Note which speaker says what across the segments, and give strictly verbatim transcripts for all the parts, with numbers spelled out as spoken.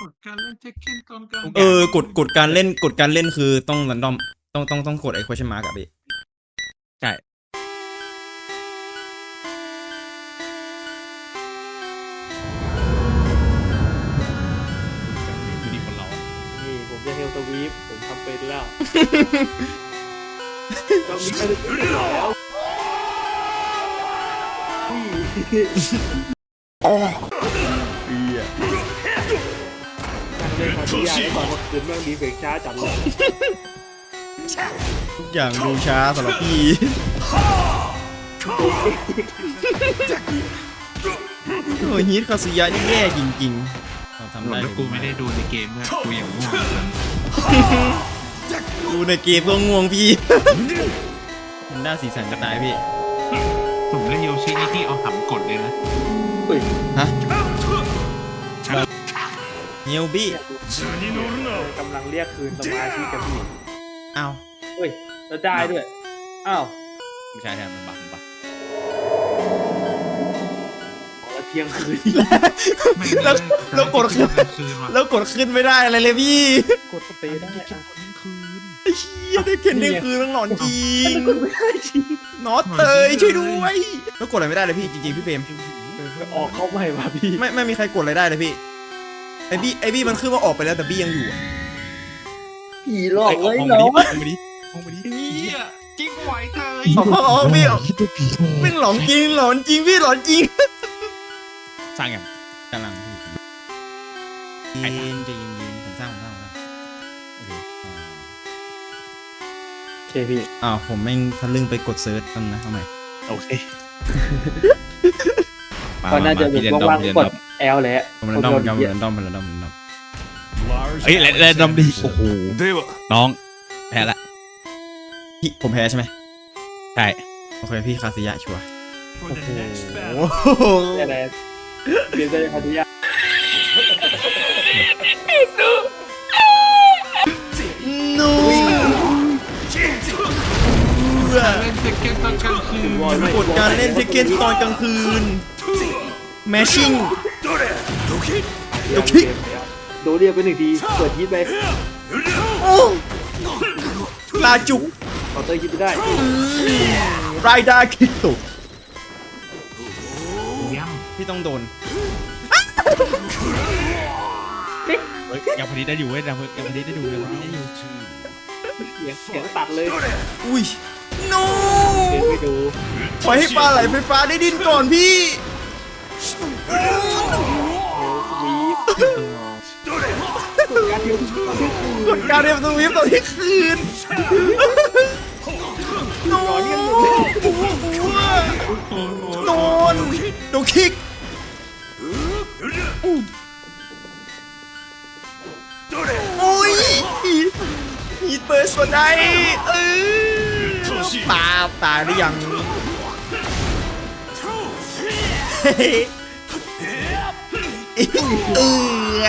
Speaker 1: กดการเล่นเทคเคนตอนกลาง
Speaker 2: เออกดกดการเล่นกดการเล่นคือต้องรันดอมต้องต้องต้องกดไอ้ question mark อะพี่ใช่ดูดีคนเรา
Speaker 3: นี่ผมจะเฮลสวีปผมทำเป็นแล้วต้องมีการเล่นแล้วอ๋อเบียการเล่นของที่ยากตอนกลางคืนแม่งดีเฟกช้าจัดเลย
Speaker 2: ทุกอย่างดูช้าสำหรับพี่โอ้ยฮิตคาสุยะนี่แย่จริงๆเราทำได้
Speaker 1: แล้วกูไม่ได้ดูในเกมเนี่ยกูอย่างง่วง
Speaker 2: ดูในเกมก็ง่วงพี่มันน่าสีสันจะตายพี่
Speaker 1: ผมเล่นโยชินี่ที่เอาหำกดเลยนะ
Speaker 2: ฮะเฮียวบี้
Speaker 3: กำลังเรียกคืนสมาธิกับพี่
Speaker 2: อ้าว
Speaker 3: เฮ้ยแล้วได้ด้วยอ้าว
Speaker 2: ไม่ใช่แทนมันบักมันบัก
Speaker 3: แล้วเที่ยงคืน
Speaker 2: แล้วแล้วกดขึ้นแล้วกดขึ้นไม่ได้อะไรเลยพี่
Speaker 3: กดสเปรย์ได้
Speaker 1: เที่ยงคืน
Speaker 2: ไอ้เหี้ยได้เข็นได้คืนต้องหลอนจริงนอตเตยช่วยด้วยแล้วกดอะไรไม่ได้เลยพี่จริงๆพี่เฟรม
Speaker 3: ออกเข้าใหม่ว่ะพี่
Speaker 2: ไม่ไม่มีใครกดอะไรได้เลยพี่ไอบี้ไอบี้มันขึ้นว่าออกไปแล้วแต่บี้ยังอยู่
Speaker 3: ผีหลอกเลยเนาะ
Speaker 2: มองไปดิมองไปดิ
Speaker 1: เฮียจิ้งไหวเตย
Speaker 2: อ๋ออ๋อพี่ไม่หลอนจริงหลอนจริงพี่หลอนจริงสร้างอย่างกำลังพี่เย็นจะเย็นเย็นผมสร้างผมสร้างผมสร้างโอเค
Speaker 3: โอเคพี่
Speaker 2: อ้าวผมแม่งทะลึ่งไปกดเซิร์ชกันนะทำไม
Speaker 3: โอเคก็น่าจะเป็นว่างๆกดแอลแหละ
Speaker 2: ผมเล่นดอมผมเล่นดอมผมเล่นดอมผมเล่นดอม
Speaker 4: เฮ้ยเล่นดอมดีโอ้โหน้องแพ้ละ
Speaker 2: พี่ผมแพ้ใช่ไหม
Speaker 4: ใช่
Speaker 2: โอเคพี่คาซิยะชัวร์
Speaker 3: โอ้โหอะไรเปลี่ยนใจคาซิยะ
Speaker 2: นู
Speaker 1: เล่นเทคเคนตอนกลางคืน
Speaker 2: กดการเล่นเทคเคนตอนกลางคืนแมชชิ่งโดคิโดคิ
Speaker 3: โดเรียกไปหนึ่งทีเปิดยิดไป
Speaker 2: โอ้ลาจุก
Speaker 3: ต่อเตยยิดไปได้
Speaker 2: ไรด้าคิโตะ
Speaker 1: ย่
Speaker 2: พี่ต้องโดน
Speaker 4: ยังพอดีได้อยู่เว้ยยังยังพอดีได้ดูยังพอดีได้อยู่
Speaker 3: เสียงเสียงตัดเลย
Speaker 2: อุ้ยโน
Speaker 3: ไปดู
Speaker 2: ปล่อยให้ปลาไหลไฟฟ้าได้ดิ้นก่อนพี่กดการเรียบสวีปตอนที่คืนนอนนอนดูคิกโอ้ยฮีเตอร์สวดได้เออตาตายหรือยังเฮ้ยเออ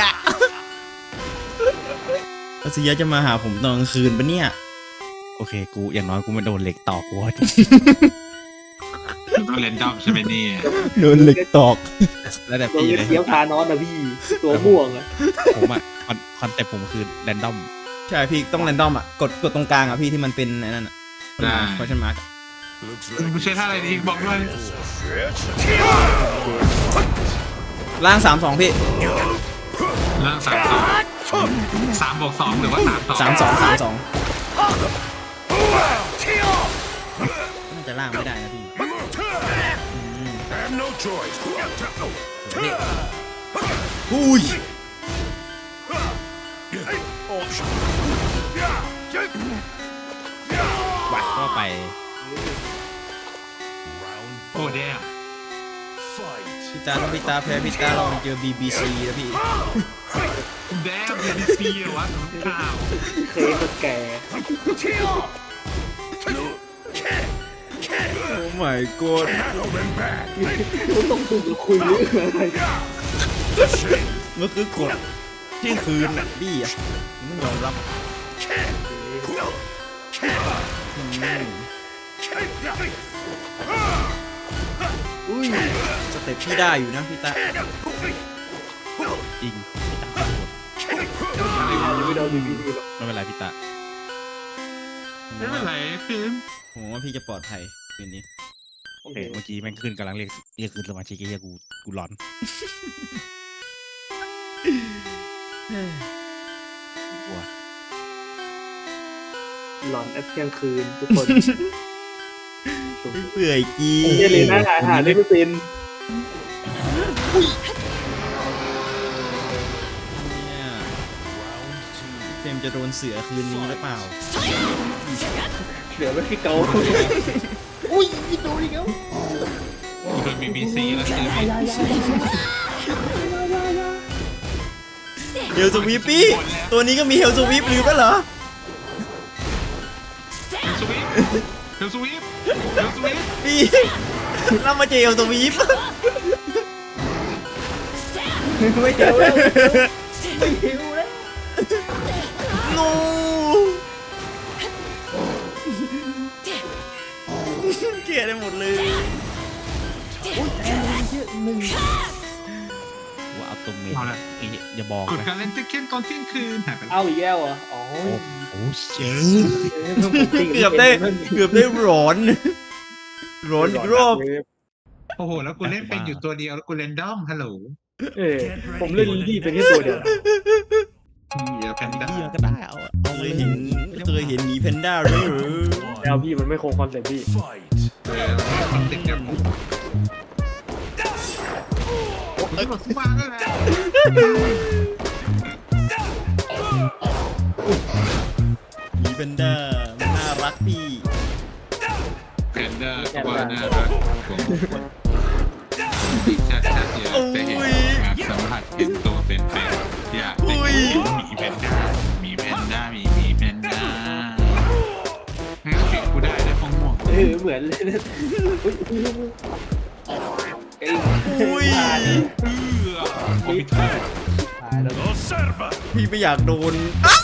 Speaker 2: อาซิยะจะมาหาผมตอนกลางคืนปะเนี่ย
Speaker 4: โอเคกูอย่างน้อยกูไม่โดนเหล็กตอกกู
Speaker 1: ต้องเล่นดอมใช่ไหมนี่
Speaker 2: โดนเหล็กตอก
Speaker 4: แล้วแต่พี่เลย
Speaker 3: เกี้ยวพานอนนะพี่ตัวม่วงอะ
Speaker 4: ผมอะคอนเซ็ปต์ผมคือแรนดอม
Speaker 2: ใช่พี่ต้องแรนดอมอะกดกดตรงกลางอะพี่ที่มันเป็นไอ้นั่นอะคอชั่นมาร์ก
Speaker 1: ไม่ใช่ท่าอะไรดีบอกด้วย
Speaker 2: ล่างสามสองพี่
Speaker 1: ล่างสามสองสามบวกสองหรือว่าสามสอง
Speaker 2: สามสองสามสองน่าจะล่างไม่ได้นะพี่อุ้ย
Speaker 4: วัดก็ไป
Speaker 1: โอ้เด้
Speaker 2: พี่ตาถ้าพี่ตาแพ้พี่ตาลองเจอ บี บี ซี แล้วพี่
Speaker 1: แดม บี บี ซี เหรอวะข่าว
Speaker 3: เคยคนแก่
Speaker 2: โอ้ my god
Speaker 3: ต้องถูกคุยเรื่องอะไร
Speaker 2: มันคือกดที่คืนน่ะพี่อ่ะไม่ยอมรับอุ้ยสเต็ปพี่ได้อยู่นะพี่ตา
Speaker 4: จริงพี่ตาโหด
Speaker 3: พี่เราดีพี่ดีหรอก
Speaker 2: ไม่เป็นไรพี่ตา
Speaker 1: ไม่เป็นไรฟิล์ม
Speaker 2: ผมว่าพี่จะปลอดภัยคืนนี้
Speaker 3: โอเค
Speaker 4: เฮ้ยเมื่อกี้แม่งขึ้นกำลังเรียกเรียกคืนสมาชิกไอ้เหี้ยกูกูร้อน กลัว
Speaker 3: หลอนแอปเที่ยงคืนทุกคน
Speaker 2: ไม่เปื่อยจี
Speaker 3: เยเลยนะหาหาได้ไม่เป็น
Speaker 2: เนี่ยเฟรมจะโดนเสือคืนนี้หรือเปล่า
Speaker 3: เหลือไว้ที่เกาอุ้ยโดนอีกแล้ว
Speaker 1: โดนบีบีซีแล้วคือมี
Speaker 2: เฮลสวีปปี้ตัวนี้ก็มีเฮลสวีปลืมไปเหรอ
Speaker 1: เฮลสวีปเฮลสวีปเฮลสวีป
Speaker 2: พี่เรามาเจอเฮลสวีป
Speaker 3: ไม่เจอแล้วไม่หิวแล้ว
Speaker 2: โนเกลียดได้หมดเลย
Speaker 4: ว่าเอาตัวเมนไอ้เหี้ยอย่าบอก
Speaker 1: กด
Speaker 4: นะ
Speaker 1: การเล่นเทคเคนตอนเที่ยงคืนหายไปแล้ว
Speaker 3: เอาอีกแล้วเหรออ๋อ
Speaker 4: โอ้โหเจ๋ง
Speaker 2: เกือบได้เกือบได้ร้อนร้อนอีกรอบ
Speaker 1: โอ้โหแล้วกูเล่นเป็นอยู่ตัวเดียวแล้วกูเล่นด้อมฮัลโหล
Speaker 3: เออผมเล่นลิลลี่เป็นแค่ตัวเดียว
Speaker 1: เหี้ยแพนด้า
Speaker 4: เหี้ยก็ได้เอาเอา
Speaker 2: เค
Speaker 4: เลย ย
Speaker 2: เห็นเคยเห็นหมีแพนด้าด้วยเหรอ
Speaker 3: แล้วพี่มันไม่คงคอนเซ็ปต์พี่
Speaker 1: เออคอนเซ็ปต์เดียวกันเอ้ยมาแล้วแหละ
Speaker 2: หมีแพนด้ามันน่ารักพี่
Speaker 1: แพนด้าก็ว่าน่ารักผมติดชัดชัดเดียวแต่เห็นแบบสัมผัสเห็นตัวเป็นเป็นอยากได้หมีแพนด้าหมีแพนด้าหมีหมีแพนด้าให้เสียงกูได้ได้ฟองม่วง
Speaker 3: เออเหมือนเลยนะอุ้ยอุ้ยไอ้
Speaker 2: อุ้ย
Speaker 1: เออคอมพิวเตอร์
Speaker 3: ตายแล้ว
Speaker 2: พี่ไม่อยากโดนอ๊ะ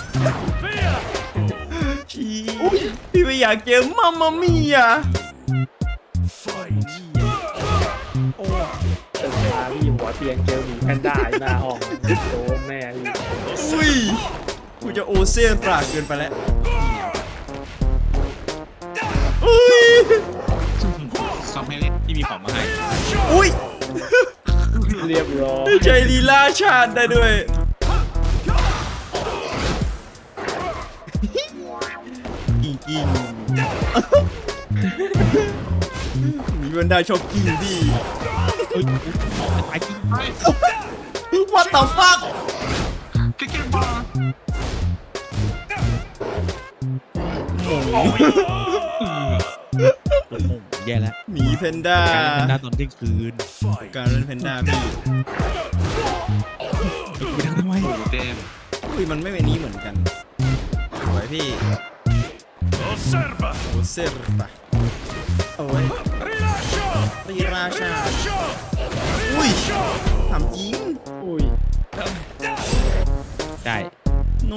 Speaker 2: พี่พี่ไม่อยากเจอมัมมามี่อ่ะ
Speaker 3: ตึกมาพี่หัวเตียงเจอหมีแพนด้าหน้าห้องโดนแม่พี่
Speaker 2: อุ้ยกูจะโอเซียนปรากเกินไปแล้วอุ้ย
Speaker 1: ซอมให้เล่น
Speaker 4: ที่มีของมาให้
Speaker 2: อุ้ย
Speaker 3: เรียบร้อย
Speaker 2: ใจลีลาชาติได้ด้วยกิ้งกิ้งมีบรรดาชอบกิ้งดิ
Speaker 4: เอ้ยไอ้จริง
Speaker 2: What the fuck
Speaker 1: เก่งๆบอล
Speaker 2: โอ้โห
Speaker 4: โอ้โหแย่แล้ว
Speaker 2: หมีแพนด้า
Speaker 4: การเล่นแพนด้าตอนเที่ยงคืน
Speaker 2: การเล่นแพนด้าพี่
Speaker 4: ไปทำทำไม
Speaker 1: โอ้เต็ม
Speaker 2: อุ้ยมันไม่เป็นนี้เหมือนกันสวยพี่โอเซอร์ปะโอ้ยรีราชาอุ้ยถามจริง
Speaker 3: อุ้ย
Speaker 4: ได้
Speaker 2: โน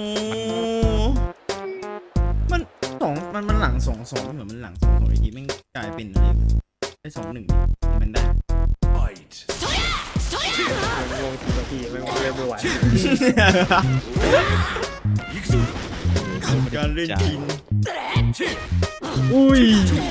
Speaker 2: มันสองมันมันหลังสองสองเหมือนมันหลังสองสองอีกทีแม่งกลายเป็นอะไรได้สองหนึ่งมันได้
Speaker 3: ยังงงทีละทีไม่ไม่ไม่ไหว
Speaker 2: การเล่นจริง
Speaker 3: อุ้ย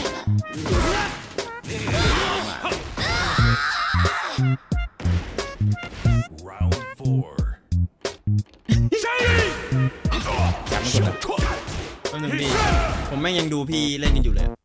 Speaker 2: แป๊บนึงพี่ผมแม่งยังดูพี่เล่นกันอยู่เลย
Speaker 3: มา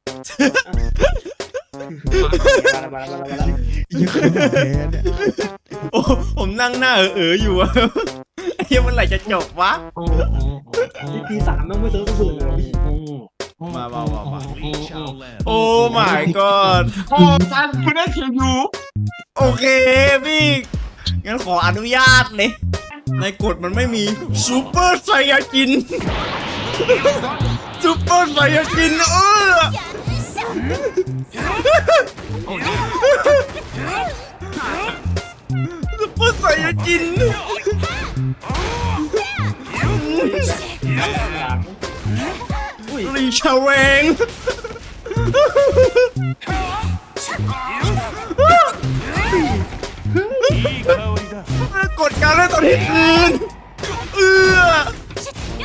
Speaker 3: แล้วมาแล้วมาแล้วมาแล้ว
Speaker 4: ยังคือแพ้เนี่ย
Speaker 2: โอ้ผมนั่งหน้าเออเอออยู่อะไอ้เหี้ยเมื่อไหร่จะจบวะ
Speaker 1: โอ้โหโอ้
Speaker 3: นี่ทีสามต้องไม่เซิร์ฟกระสุนเลยพี่
Speaker 1: โห
Speaker 2: มามามามาโอ้ my god
Speaker 1: โอ้ตันคุณได้เขียนอยู่
Speaker 2: โอเคพี่ งั้นขออนุญาตเลยในกฎมันไม่มีซูเปอร์ไซยาจินซูเปอร์ไซยาจินเออ
Speaker 1: โอ้ย
Speaker 2: ซูเปอร์ไซยาจิน
Speaker 3: อุ้ย
Speaker 2: รีชาเวงกดการเล่นตอนที่คืนเออ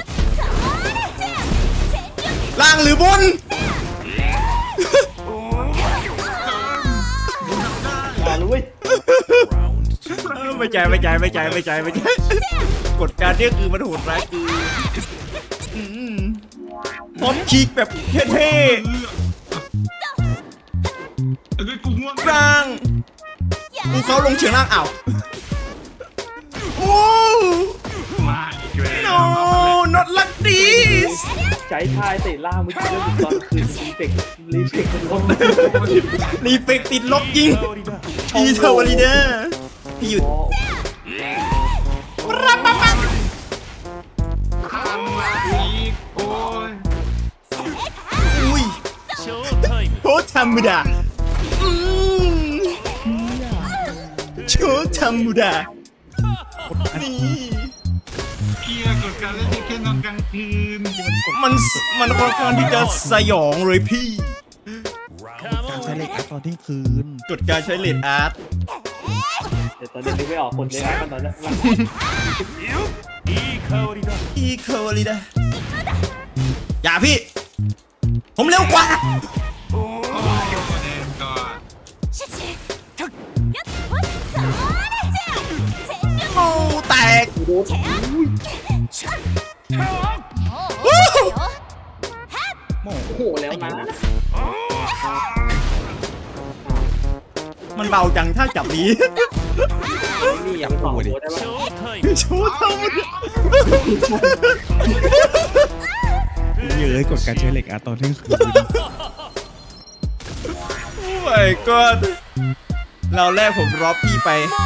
Speaker 2: ใจไม่ใจไม่ใจไม่ใจไม่ใจกฎการเนี่ยคือมันโหดร้ายคืออืมพร้อมฉีกแบบเท่
Speaker 1: เอ้ยกูง่วง
Speaker 2: ๆกลางกูเขาลงเฉียงล่างอ้าวโอ้
Speaker 1: มาอีกแล้ว
Speaker 2: no not like this
Speaker 3: ใช้ทายเตะล่างเมื่อกี้แล้วตอนคืนรีเฟกรีเฟกมันลง
Speaker 2: รีเฟกติดลบยิงอีเทอร์วอลีเดอร์พี่หยุด รับปั๊บปั๊บ
Speaker 1: ทำมาอีกโอ้ย
Speaker 2: อุ้ยโคตรธรรมดาอืมโชว์ธรรมดานี่
Speaker 1: เกียร์กดการเล่นที่แค่นอนกลางคืน
Speaker 2: มันมันค่อนข้างที่จะสยองเลยพี่
Speaker 4: การใช้เหล็กอัดตอนเที่ยงคืน
Speaker 2: กดการใช้เลดอาร์ต
Speaker 3: แต่ตอนนี้นึกไม่ออกคนเลยนะตอนนั้น
Speaker 2: อีเคอร์ลีดาอย่าพี่ ผมเร็วกว่า
Speaker 1: โอ้ยเดนก่อน
Speaker 2: โอ้แตก
Speaker 3: ดู
Speaker 2: วู้
Speaker 3: โอ้โหแล้วนะ
Speaker 2: มันเบาจังถ้าจับนี้
Speaker 3: นี่อย่าไปบอกโดได้ปะ
Speaker 2: โชว์ธรรมดา
Speaker 4: เยอะกดการใช้เหล็กอัดตอนเที่ยงคืน
Speaker 2: โอ้ my god เราแรกผมรอบพี่ไป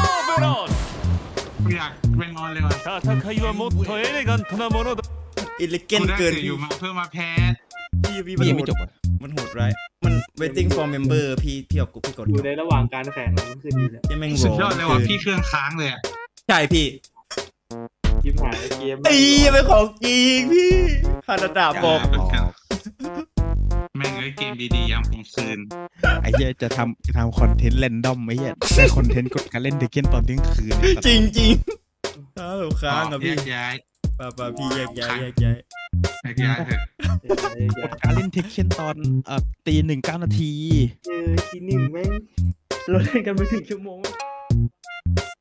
Speaker 1: อยากไปนอนเลยว่ะ
Speaker 5: 戦いはもっとエレガントなものだ。
Speaker 2: อิเลเก
Speaker 1: กู
Speaker 2: น
Speaker 1: ได้
Speaker 2: เกิน
Speaker 1: เสียอ
Speaker 2: พี่
Speaker 1: ยู่มาเพื่อมาแพ้
Speaker 2: พี่พี่
Speaker 4: พี่
Speaker 2: มัน
Speaker 4: ยัง
Speaker 2: โห
Speaker 4: ไม่
Speaker 2: ด
Speaker 4: จบอ่ะ
Speaker 2: มันโหดร้ายมัน waiting for member พี่พี่เอากูพี่กด
Speaker 3: อยู่ในระหว่างการแข่งมันขึ้นดีแล้ว
Speaker 2: ยังแม่ง
Speaker 1: สุด
Speaker 2: โห
Speaker 1: ยอดเลยว่ะพี่เครื่องค้างเลยอ่ะ
Speaker 2: ใช่พี่
Speaker 3: ยิ้มหายเกม
Speaker 2: ไอ้เป็นของจริงพี่ฮานาดาบอก
Speaker 4: บอก
Speaker 1: แม่งเอ้ยเกมดีๆยามกลางคืน
Speaker 4: ไอ้เหี้ยจะทำจะทำคอนเทนต์แรนดอมไอ้เหี้ยได้คอนเทนต์กดการเล่นเทคเก้นตอนเที่ยงคืนไอ้สัตว์
Speaker 2: จริงจริงๆอ้าวค้างอ่ะ
Speaker 1: แย
Speaker 2: พี่
Speaker 1: กย้าย
Speaker 2: ป่าป่าพี่แยกย้ายแยกย้าย
Speaker 1: แยกย้ายเถอะ
Speaker 4: กดการเล่นเทคเก้นตอนเอ่อตีหนึ่งเก้านาที
Speaker 3: เจอทีหนึ่งแม่งเราเล่นกันไปถึงชั่วโมง